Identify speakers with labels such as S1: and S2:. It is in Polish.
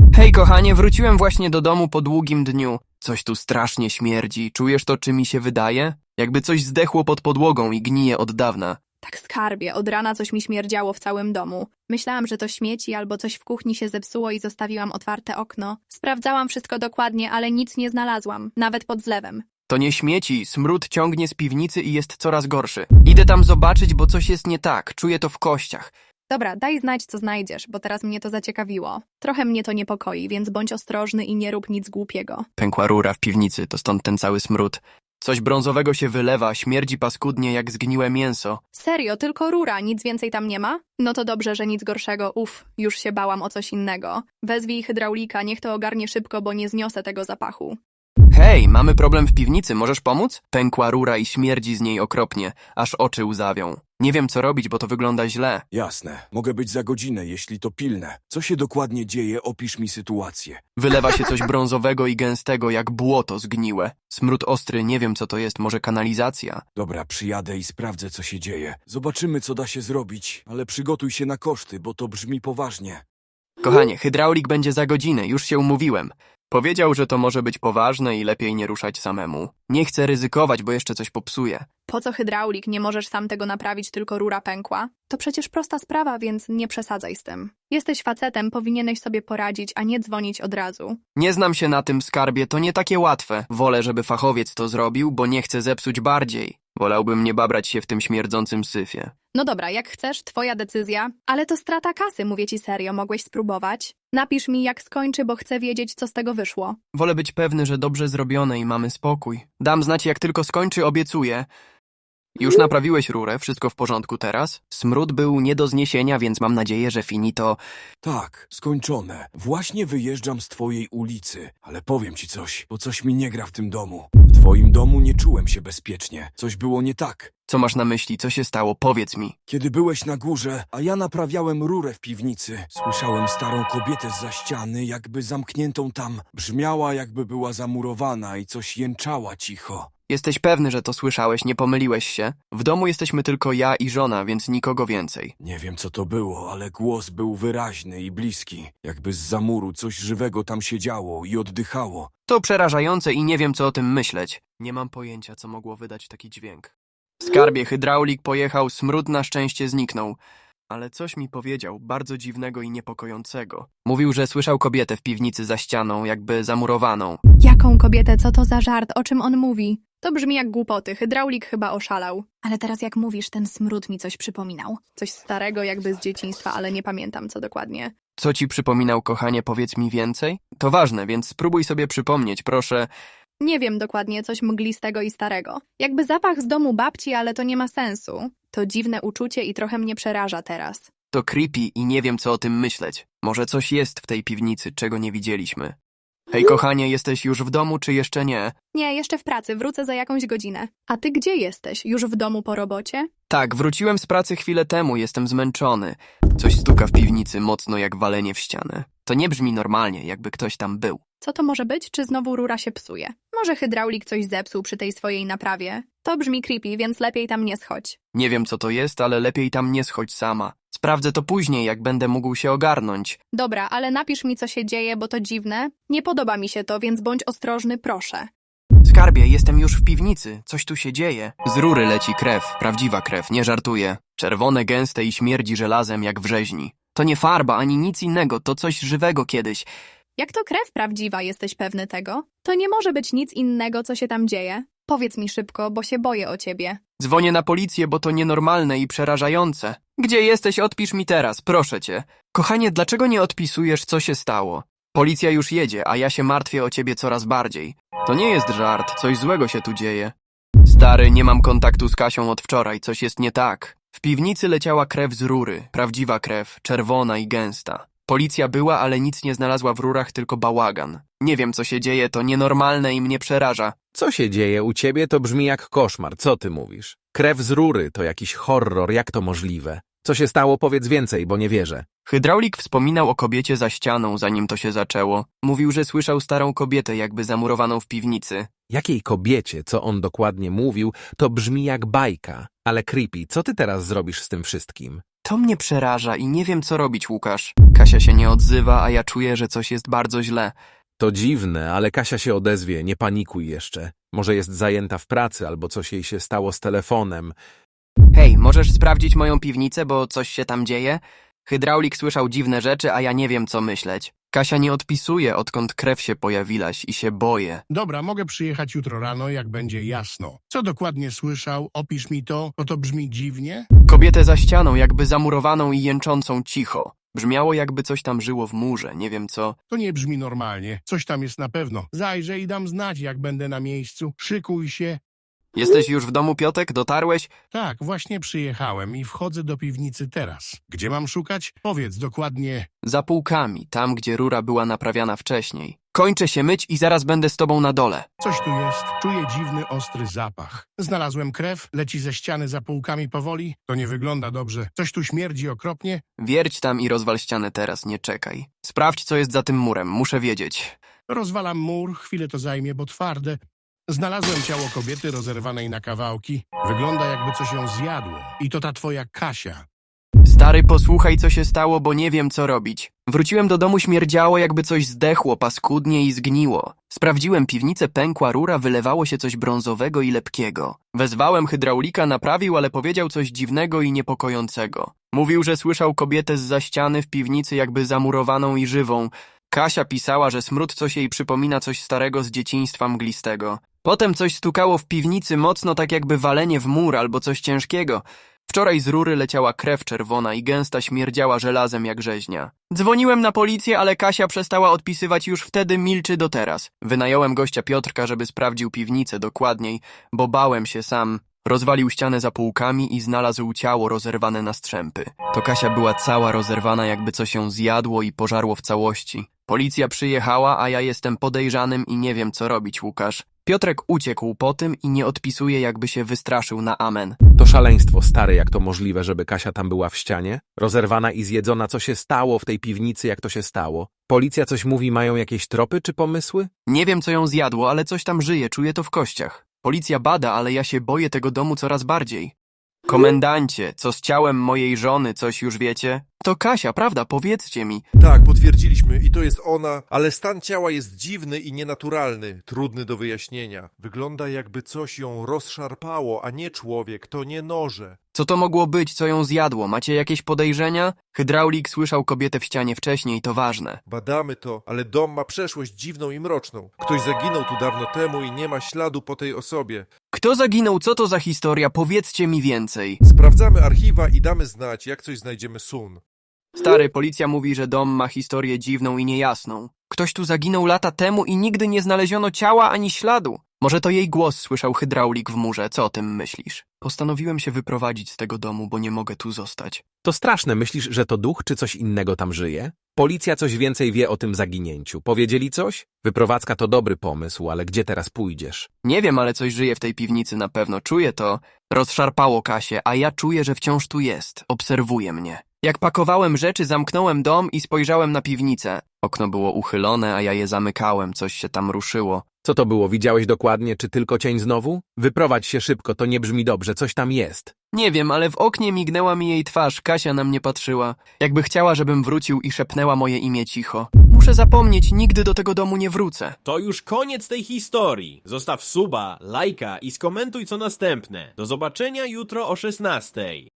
S1: Hej kochanie, wróciłem właśnie do domu po długim dniu. Coś tu strasznie śmierdzi. Czujesz to, czy mi się wydaje? Jakby coś zdechło pod podłogą i gnije od dawna.
S2: Tak skarbie, od rana coś mi śmierdziało w całym domu. Myślałam, że to śmieci albo coś w kuchni się zepsuło i zostawiłam otwarte okno. Sprawdzałam wszystko dokładnie, ale nic nie znalazłam, nawet pod zlewem.
S1: To nie śmieci, smród ciągnie z piwnicy i jest coraz gorszy. Idę tam zobaczyć, bo coś jest nie tak, czuję to w kościach.
S2: Dobra, daj znać, co znajdziesz, bo teraz mnie to zaciekawiło. Trochę mnie to niepokoi, więc bądź ostrożny i nie rób nic głupiego.
S1: Pękła rura w piwnicy, to stąd ten cały smród. Coś brązowego się wylewa, śmierdzi paskudnie jak zgniłe mięso.
S2: Serio, tylko rura, nic więcej tam nie ma? No to dobrze, że nic gorszego, już się bałam o coś innego. Wezwij hydraulika, niech to ogarnie szybko, bo nie zniosę tego zapachu.
S1: Hej, mamy problem w piwnicy, możesz pomóc? Pękła rura i śmierdzi z niej okropnie, aż oczy łzawią. Nie wiem co robić, bo to wygląda źle.
S3: Jasne, mogę być za godzinę, jeśli to pilne. Co się dokładnie dzieje, opisz mi sytuację.
S1: Wylewa się coś brązowego i gęstego, jak błoto zgniłe. Smród ostry, nie wiem co to jest, może kanalizacja?
S3: Dobra, przyjadę i sprawdzę, co się dzieje. Zobaczymy, co da się zrobić, ale przygotuj się na koszty, bo to brzmi poważnie.
S1: Kochanie, hydraulik będzie za godzinę, już się umówiłem. Powiedział, że to może być poważne i lepiej nie ruszać samemu. Nie chcę ryzykować, bo jeszcze coś popsuje.
S2: Po co hydraulik? Nie możesz sam tego naprawić, tylko rura pękła? To przecież prosta sprawa, więc nie przesadzaj z tym. Jesteś facetem, powinieneś sobie poradzić, a nie dzwonić od razu.
S1: Nie znam się na tym, skarbie, to nie takie łatwe. Wolę, żeby fachowiec to zrobił, bo nie chcę zepsuć bardziej. Wolałbym nie babrać się w tym śmierdzącym syfie.
S2: No dobra, jak chcesz, twoja decyzja, ale to strata kasy, mówię ci serio, mogłeś spróbować? Napisz mi, jak skończy, bo chcę wiedzieć, co z tego wyszło.
S1: Wolę być pewny, że dobrze zrobione i mamy spokój. Dam znać, jak tylko skończy, obiecuję. Już naprawiłeś rurę, wszystko w porządku teraz? Smród był nie do zniesienia, więc mam nadzieję, że finito...
S3: Tak, skończone. Właśnie wyjeżdżam z twojej ulicy, ale powiem ci coś, bo coś mi nie gra w tym domu. W twoim domu nie czułem się bezpiecznie. Coś było nie tak.
S1: Co masz na myśli? Co się stało? Powiedz mi.
S3: Kiedy byłeś na górze, a ja naprawiałem rurę w piwnicy, słyszałem starą kobietę zza ściany, jakby zamkniętą tam. Brzmiała, jakby była zamurowana i coś jęczała cicho.
S1: Jesteś pewny, że to słyszałeś, nie pomyliłeś się? W domu jesteśmy tylko ja i żona, więc nikogo więcej.
S3: Nie wiem, co to było, ale głos był wyraźny i bliski. Jakby zza muru coś żywego tam siedziało i oddychało.
S1: To przerażające i nie wiem, co o tym myśleć. Nie mam pojęcia, co mogło wydać taki dźwięk. W skarbie hydraulik pojechał, smród na szczęście zniknął. Ale coś mi powiedział, bardzo dziwnego i niepokojącego. Mówił, że słyszał kobietę w piwnicy za ścianą, jakby zamurowaną.
S2: Jaką kobietę, co to za żart, o czym on mówi? To brzmi jak głupoty, hydraulik chyba oszalał. Ale teraz jak mówisz, ten smród mi coś przypominał. Coś starego jakby z dzieciństwa, ale nie pamiętam co dokładnie.
S1: Co ci przypominał, kochanie, powiedz mi więcej? To ważne, więc spróbuj sobie przypomnieć, proszę.
S2: Nie wiem dokładnie, coś mglistego i starego. Jakby zapach z domu babci, ale to nie ma sensu. To dziwne uczucie i trochę mnie przeraża teraz.
S1: To creepy i nie wiem, co o tym myśleć. Może coś jest w tej piwnicy, czego nie widzieliśmy. Hej, kochanie, jesteś już w domu, czy jeszcze nie?
S2: Nie, jeszcze w pracy, wrócę za jakąś godzinę. A ty gdzie jesteś? Już w domu po robocie?
S1: Tak, wróciłem z pracy chwilę temu, jestem zmęczony. Coś stuka w piwnicy mocno jak walenie w ścianę. To nie brzmi normalnie, jakby ktoś tam był.
S2: Co to może być? Czy znowu rura się psuje? Może hydraulik coś zepsuł przy tej swojej naprawie? To brzmi creepy, więc lepiej tam nie schodź.
S1: Nie wiem, co to jest, ale lepiej tam nie schodź sama. Sprawdzę to później, jak będę mógł się ogarnąć.
S2: Dobra, ale napisz mi, co się dzieje, bo to dziwne. Nie podoba mi się to, więc bądź ostrożny, proszę.
S1: Skarbie, jestem już w piwnicy. Coś tu się dzieje. Z rury leci krew, prawdziwa krew, nie żartuję. Czerwone, gęste i śmierdzi żelazem jak w rzeźni. To nie farba, ani nic innego, to coś żywego kiedyś.
S2: Jak to krew prawdziwa, jesteś pewny tego? To nie może być nic innego, co się tam dzieje. Powiedz mi szybko, bo się boję o ciebie.
S1: Dzwonię na policję, bo to nienormalne i przerażające. Gdzie jesteś? Odpisz mi teraz, proszę cię. Kochanie, dlaczego nie odpisujesz, co się stało? Policja już jedzie, a ja się martwię o ciebie coraz bardziej. To nie jest żart, coś złego się tu dzieje. Stary, nie mam kontaktu z Kasią od wczoraj, coś jest nie tak. W piwnicy leciała krew z rury, prawdziwa krew, czerwona i gęsta. Policja była, ale nic nie znalazła w rurach, tylko bałagan. Nie wiem, co się dzieje, to nienormalne i mnie przeraża.
S4: Co się dzieje u ciebie, to brzmi jak koszmar. Co ty mówisz? Krew z rury to jakiś horror, jak to możliwe? Co się stało, powiedz więcej, bo nie wierzę.
S1: Hydraulik wspominał o kobiecie za ścianą, zanim to się zaczęło. Mówił, że słyszał starą kobietę, jakby zamurowaną w piwnicy.
S4: Jakiej kobiecie, co on dokładnie mówił, to brzmi jak bajka. Ale creepy, co ty teraz zrobisz z tym wszystkim?
S1: To mnie przeraża i nie wiem, co robić, Łukasz. Kasia się nie odzywa, a ja czuję, że coś jest bardzo źle.
S4: To dziwne, ale Kasia się odezwie, nie panikuj jeszcze. Może jest zajęta w pracy albo coś jej się stało z telefonem.
S1: Hej, możesz sprawdzić moją piwnicę, bo coś się tam dzieje? Hydraulik słyszał dziwne rzeczy, a ja nie wiem, co myśleć. Kasia nie odpisuje, odkąd krew się pojawiłaś i się boję.
S5: Dobra, mogę przyjechać jutro rano, jak będzie jasno. Co dokładnie słyszał? Opisz mi to, bo to brzmi dziwnie.
S1: Kobietę za ścianą, jakby zamurowaną i jęczącą cicho. Brzmiało, jakby coś tam żyło w murze, nie wiem co.
S5: To nie brzmi normalnie. Coś tam jest na pewno. Zajrzę i dam znać, jak będę na miejscu. Szykuj się.
S1: Jesteś już w domu, Piotek? Dotarłeś?
S5: Tak, właśnie przyjechałem i wchodzę do piwnicy teraz. Gdzie mam szukać? Powiedz dokładnie.
S1: Za półkami, tam gdzie rura była naprawiana wcześniej. Kończę się myć i zaraz będę z tobą na dole.
S5: Coś tu jest. Czuję dziwny, ostry zapach. Znalazłem krew, leci ze ściany za półkami powoli. To nie wygląda dobrze. Coś tu śmierdzi okropnie.
S1: Wierć tam i rozwal ścianę teraz, nie czekaj. Sprawdź, co jest za tym murem, muszę wiedzieć.
S5: Rozwalam mur, chwilę to zajmie, bo twarde. Znalazłem ciało kobiety rozerwanej na kawałki. Wygląda, jakby coś ją zjadło. I to ta twoja Kasia.
S1: Stary, posłuchaj, co się stało, bo nie wiem, co robić. Wróciłem do domu, śmierdziało, jakby coś zdechło, paskudnie i zgniło. Sprawdziłem piwnicę, pękła rura, wylewało się coś brązowego i lepkiego. Wezwałem hydraulika, naprawił, ale powiedział coś dziwnego i niepokojącego. Mówił, że słyszał kobietę zza ściany w piwnicy, jakby zamurowaną i żywą. Kasia pisała, że smród coś jej przypomina coś starego z dzieciństwa mglistego. Potem coś stukało w piwnicy mocno, tak jakby walenie w mur albo coś ciężkiego. Wczoraj z rury leciała krew czerwona i gęsta śmierdziała żelazem jak rzeźnia. Dzwoniłem na policję, ale Kasia przestała odpisywać już wtedy, milczy do teraz. Wynająłem gościa Piotrka, żeby sprawdził piwnicę dokładniej, bo bałem się sam. Rozwalił ścianę za półkami i znalazł ciało rozerwane na strzępy. To Kasia była cała rozerwana, jakby coś ją zjadło i pożarło w całości. Policja przyjechała, a ja jestem podejrzanym i nie wiem, co robić, Łukasz. Piotrek uciekł po tym i nie odpisuje, jakby się wystraszył na amen.
S4: To szaleństwo, stary, jak to możliwe, żeby Kasia tam była w ścianie? Rozerwana i zjedzona, co się stało w tej piwnicy, jak to się stało? Policja coś mówi, mają jakieś tropy czy pomysły?
S1: Nie wiem, co ją zjadło, ale coś tam żyje, czuję to w kościach. Policja bada, ale ja się boję tego domu coraz bardziej. Komendancie, co z ciałem mojej żony, coś już wiecie? To Kasia, prawda? Powiedzcie mi.
S6: Tak, potwierdziliśmy i to jest ona, ale stan ciała jest dziwny i nienaturalny, trudny do wyjaśnienia. Wygląda, jakby coś ją rozszarpało, a nie człowiek, to nie noże.
S1: Co to mogło być, co ją zjadło? Macie jakieś podejrzenia? Hydraulik słyszał kobietę w ścianie wcześniej, to ważne.
S6: Badamy to, ale dom ma przeszłość dziwną i mroczną. Ktoś zaginął tu dawno temu i nie ma śladu po tej osobie.
S1: Kto zaginął? Co to za historia? Powiedzcie mi więcej.
S6: Sprawdzamy archiwa i damy znać, jak coś znajdziemy sun.
S1: Stary, policja mówi, że dom ma historię dziwną i niejasną. Ktoś tu zaginął lata temu i nigdy nie znaleziono ciała ani śladu. Może to jej głos słyszał hydraulik w murze, co o tym myślisz? Postanowiłem się wyprowadzić z tego domu, bo nie mogę tu zostać.
S4: To straszne, myślisz, że to duch czy coś innego tam żyje? Policja coś więcej wie o tym zaginięciu. Powiedzieli coś? Wyprowadzka to dobry pomysł, ale gdzie teraz pójdziesz?
S1: Nie wiem, ale coś żyje w tej piwnicy na pewno, czuję to. Rozszarpało Kasię, a ja czuję, że wciąż tu jest, obserwuje mnie. Jak pakowałem rzeczy, zamknąłem dom i spojrzałem na piwnicę. Okno było uchylone, a ja je zamykałem, coś się tam ruszyło.
S4: Co to było? Widziałeś dokładnie, czy tylko cień znowu? Wyprowadź się szybko, to nie brzmi dobrze, coś tam jest.
S1: Nie wiem, ale w oknie mignęła mi jej twarz, Kasia na mnie patrzyła. Jakby chciała, żebym wrócił i szepnęła moje imię cicho. Muszę zapomnieć, nigdy do tego domu nie wrócę.
S7: To już koniec tej historii. Zostaw suba, lajka i skomentuj co następne. Do zobaczenia jutro o 16:00.